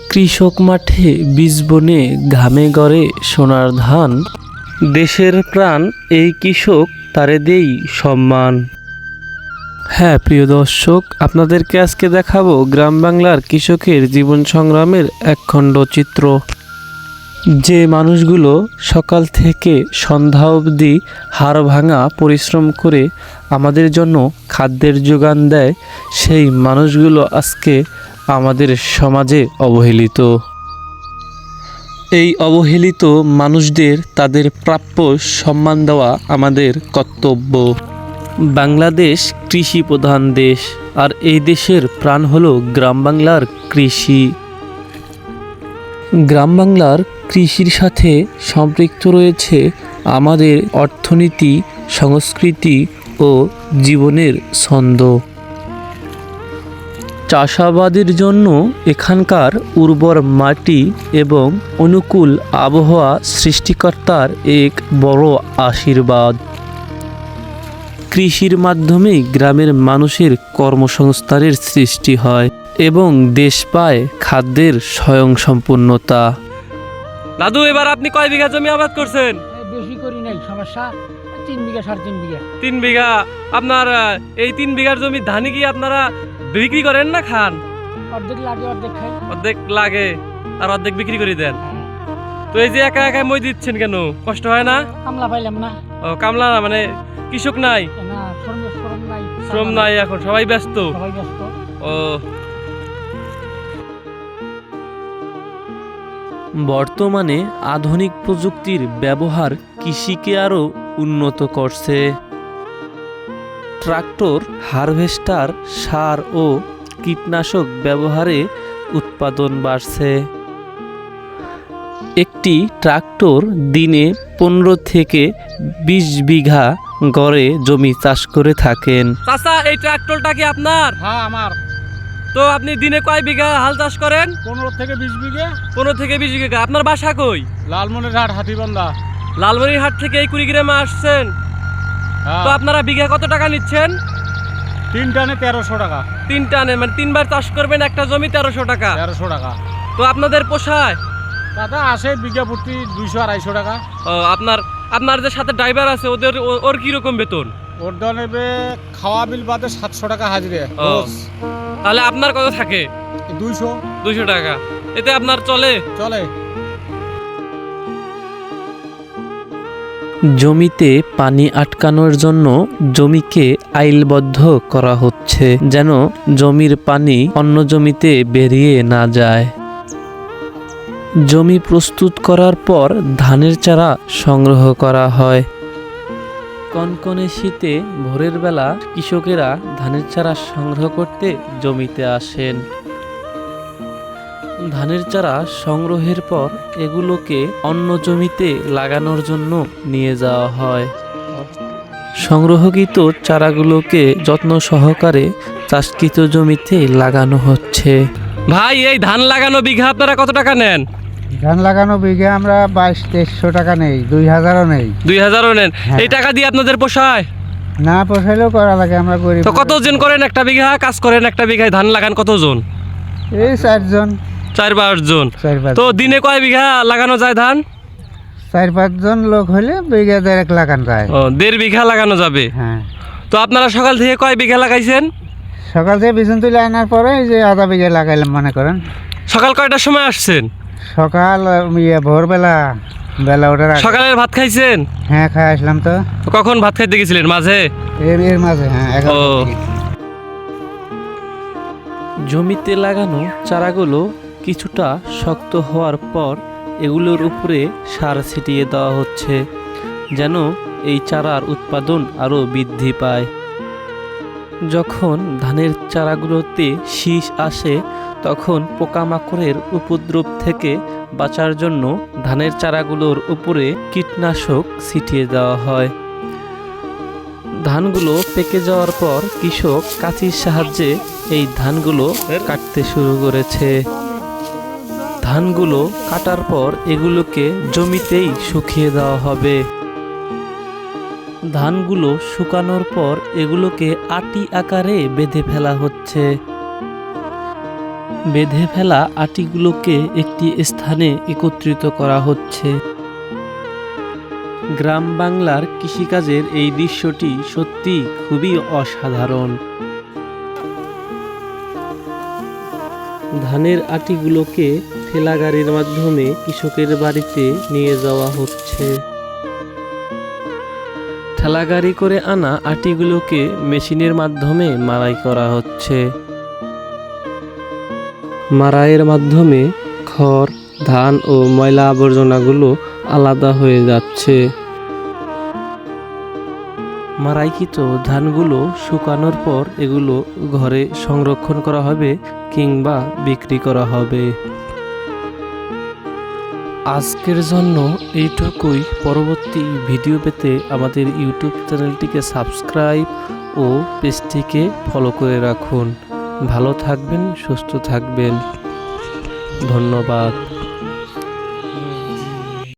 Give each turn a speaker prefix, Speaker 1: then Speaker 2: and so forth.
Speaker 1: কৃষক মাঠে বীজ বনে ঘামে গড়ে সোনার ধান। দেশের প্রাণ এই কৃষক, তারে দেই সম্মান। হ্যাঁ প্রিয় দর্শক, আপনাদেরকে আজকে দেখাবো গ্রাম বাংলার কৃষকের জীবন সংগ্রামের একখণ্ড চিত্র। যে মানুষগুলো সকাল থেকে সন্ধ্যা অবধি হাড় ভাঙা পরিশ্রম করে আমাদের জন্য খাদ্যের যোগান দেয়, সেই মানুষগুলো আজকে আমাদের সমাজে অবহেলিত। এই অবহেলিত মানুষদের তাদের প্রাপ্য সম্মান দেওয়া আমাদের কর্তব্য। বাংলাদেশ কৃষি প্রধান দেশ, আর এই দেশের প্রাণ হলো গ্রাম বাংলার কৃষি। গ্রাম বাংলার কৃষির সাথে সম্পৃক্ত রয়েছে আমাদের অর্থনীতি, সংস্কৃতি ও জীবনের ছন্দ। চাষাবাদের জন্য এখানকার উর্বর মাটি এবং অনুকূল আবহাওয়া সৃষ্টিকর্তার এক বড় আশীর্বাদ। কৃষির মাধ্যমে গ্রামের মানুষের কর্মসংস্থানের সৃষ্টি হয় এবং দেশ পায় খাদ্যের স্বয়ংসম্পূর্ণতা। দাদু, এবার আপনি কয় বিঘা জমি আবাদ করছেন?
Speaker 2: বেশি করি নাই, সমস্যা 3 বিঘা 3.5 বিঘা।
Speaker 1: 3 বিঘা। আপনার এই 3 বিঘার জমি ধানি কি আপনারা বিক্রি করেন না খান?
Speaker 2: অর্ধেক লাগে, অর্ধেক খাই।
Speaker 1: অর্ধেক লাগে আর অর্ধেক বিক্রি করে দেন। তো এই যে একা একা মই দিচ্ছেন কেন? কষ্ট হয় না?
Speaker 2: কামলা পাইলাম না।
Speaker 1: ও, কামলা না মানে কৃষক নাই?
Speaker 2: না, শ্রম নাই।
Speaker 1: শ্রম নাই, এখন সবাই ব্যস্ত। ও, বর্তমানে আধুনিক প্রযুক্তির ব্যবহার কৃষিকে আরও উন্নত করছে। ট্রাক্টর, হারভেস্টার, সার ও কীটনাশক ব্যবহারে উৎপাদন বাড়ছে। একটি ট্রাক্টর দিনে 15 থেকে 20 বিঘা গড়ে জমি চাষ করে থাকেন। চাচা, এই ট্রাক্টরটা কি আপনার?
Speaker 2: হ্যাঁ, আমার।
Speaker 1: তো আপনি দিনে কয় বিঘা হাল চাষ করেন?
Speaker 2: 15 থেকে 20 বিঘা।
Speaker 1: 15 থেকে 20 বিঘা। আপনার বাসা কই?
Speaker 2: লালমনিরহাট, হাতিবান্ধা।
Speaker 1: লালমনিরহাট থেকে এই কুড়িগ্রামে আসছেন? তো আপনারা বিঘা কত টাকা নিচ্ছেন?
Speaker 2: 3 টানে 1300 টাকা।
Speaker 1: 3 টানে মানে 3 বার চাষ করবেন, একটা জমি 1300 টাকা।
Speaker 2: 1300 টাকা।
Speaker 1: তো আপনাদের পোষায়?
Speaker 2: দাদা আসে বিঘা প্রতি 200-250 টাকা।
Speaker 1: ও, আপনার যে সাথে ড্রাইভার আছে ওর কি রকম বেতন?
Speaker 2: ওর নেবে খাওয়া বিল বাদে 700 টাকা হাজিরে।
Speaker 1: তাহলে আপনার কত থাকে?
Speaker 2: 200
Speaker 1: টাকা। এতে আপনার চলে? জমিতে পানি আটকানোর জন্য জমিকে আইলবদ্ধ করা হচ্ছে, যেন জমির পানি অন্য জমিতে বেরিয়ে না যায়। জমি প্রস্তুত করার পর ধানের চারা সংগ্রহ করা হয়। কনকনে শীতে ভোরের বেলা কৃষকেরা ধানের চারা সংগ্রহ করতে জমিতে আসেন। ধানের চারা সংগ্রহের পর এগুলোকে অন্য জমিতে লাগানোর জন্য নিয়ে যাওয়া হয়। সংগ্রহকৃত চারাগুলোকে যত্ন সহকারে চাষকৃত জমিতে লাগানো হচ্ছে। ভাই, এই ধান লাগানো বিঘা আপনারা কত টাকা নেন?
Speaker 2: ধান লাগানো বিঘা আমরা 2200-2300 টাকা নেই, 2000ও নেই।
Speaker 1: 2000ও নেন? এই টাকা দিয়ে আপনাদের পোষায়
Speaker 2: না? পোষাইলেও করা লাগে, আমরা গরিব।
Speaker 1: তো কতজন করেন একটা বিঘা কাজ করেন? একটা বিঘায় ধান লাগান কতজন?
Speaker 2: এই 4 জন।
Speaker 1: 4-5 জন। তো দিনে কয় বিঘা লাগানো যায় ধান?
Speaker 2: 4-5 জন লোক হলে বিঘা 1.5 লাগানো যায়।
Speaker 1: ও, 1.5 বিঘা লাগানো যাবে।
Speaker 2: হ্যাঁ।
Speaker 1: তো আপনারা সকাল থেকে কয় বিঘা লাগাইছেন?
Speaker 2: সকাল থেকে বিছন তুলে আনার পরে এই যে আধা বিঘা লাগাইলাম মনে করেন।
Speaker 1: সকাল কয়টার সময় আসছেন?
Speaker 2: সকাল ভোরবেলা, বেলা ওঠার আগে।
Speaker 1: সকালের ভাত খাইছেন?
Speaker 2: হ্যাঁ, খাই আসলাম। তো
Speaker 1: কখন ভাত খাইতে গেছিলেন? মাঝে?
Speaker 2: এর মাঝে। হ্যাঁ, 11 দিকে।
Speaker 1: জমিতে লাগানো চারাগুলো কিছুটা শক্ত হওয়ার পর এগুলোর উপরে সার ছিটিয়ে দেওয়া হচ্ছে, যেন এই চারার উৎপাদন আরও বৃদ্ধি পায়। যখন ধানের চারাগুলোতে শীষ আসে, তখন পোকামাকড়ের উপদ্রব থেকে বাঁচার জন্য ধানের চারাগুলোর উপরে কীটনাশক ছিটিয়ে দেওয়া হয়। ধানগুলো পেকে যাওয়ার পর কৃষক কাঁচির সাহায্যে এই ধানগুলো কাটতে শুরু করেছে। ধানগুলো কাটার পর এগুলোকে জমিতেই শুকিয়ে দেওয়া হবে। ধানগুলো শুকানোর পর এগুলোকে আটি আকারে বেঁধে ফেলা হচ্ছে। বেঁধে ফেলা আটিগুলোকে একটি স্থানে একত্রিত করা হচ্ছে। গ্রাম বাংলার কৃষিকাজের এই দৃশ্যটি সত্যি খুবই অসাধারণ। ধানের আটিগুলোকে ঠেলা গাড়ির মাধ্যমে কৃষকের বাড়িতে নিয়ে যাওয়া হচ্ছে। ঠেলা গাড়ি করে আনা আটিগুলোকে মেশিনের মাধ্যমে মাড়াই করা হচ্ছে। মাড়াইয়ের মাধ্যমে খড়, ধান ও ময়লা আবর্জনাগুলো আলাদা হয়ে যাচ্ছে। মাড়াইকৃত ধানগুলো শুকানোর পর এগুলো ঘরে সংরক্ষণ করা হবে কিংবা বিক্রি করা হবে। আজকের জন্য এইটুকুই। পরবর্তী ভিডিও পেতে আমাদের ইউটিউব চ্যানেলটিকে সাবস্ক্রাইব ও পেজটিকে ফলো করে রাখুন। ভালো থাকবেন, সুস্থ থাকবেন। ধন্যবাদ।